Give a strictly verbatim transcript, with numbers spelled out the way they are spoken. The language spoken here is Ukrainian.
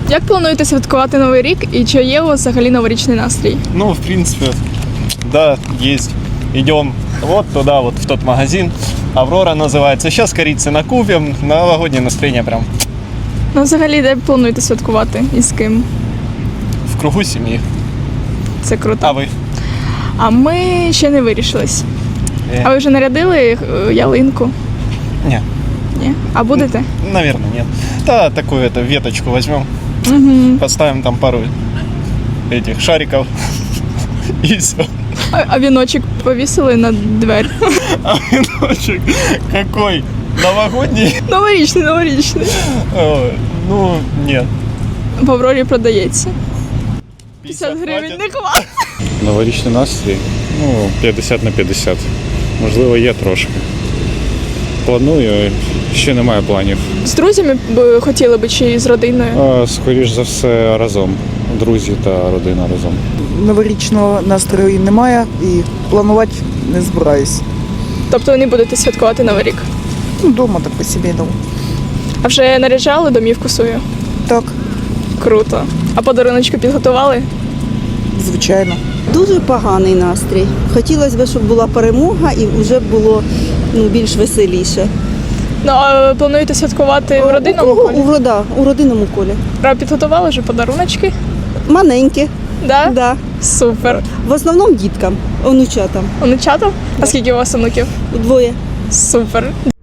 Як плануєте святкувати Новий рік і чи є у вас взагалі новорічний настрій? Ну, в принципе, да, есть. Идем вот туда, вот в тот магазин. Аврора называется. Сейчас корицы накупим. Новогоднее настроение прям Ну, взагалі, де плануєте святкувати і з ким? в кругу семьи. Це круто. А вы? А ми ще не вирішились. Э, А ви вже нарядили е, ялинку? Не, Ні? А будете? наверное, нет. Да, такую это веточку возьмем. Угу. Поставим там пару этих шариков. И все. А, а віночок повісили на двері? А веночек какой? Новогодний? Новорічний, новорічний. О, ну, нет. В Аврорі продається. п'ятдесят гривень не хватить. Новорічний настрій, ну, п'ятдесят на п'ятдесят. Можливо, є трошки. Планую, ще немає планів. З друзями б хотіли би чи з родиною? А, скоріш за все, разом. Друзі та родина разом. Новорічного настрою немає і планувати не збираюсь. Тобто ви не будете святкувати Новий рік? Ну, вдома так по-сімейному. А вже наряджали домівку свою? Так, Круто. А подаруночки підготували? звичайно. Дуже поганий настрій. Хотілося б, щоб була перемога і вже було ну, більш веселіше. Ну, а плануєте святкувати в родинному у, кого? колі? У, рода, у родинному колі. А підготували вже подаруночки? Маленькі, Да? да. Супер. В основному діткам, онучатам. Онучатам? А скільки у вас онуків? Двоє. Супер.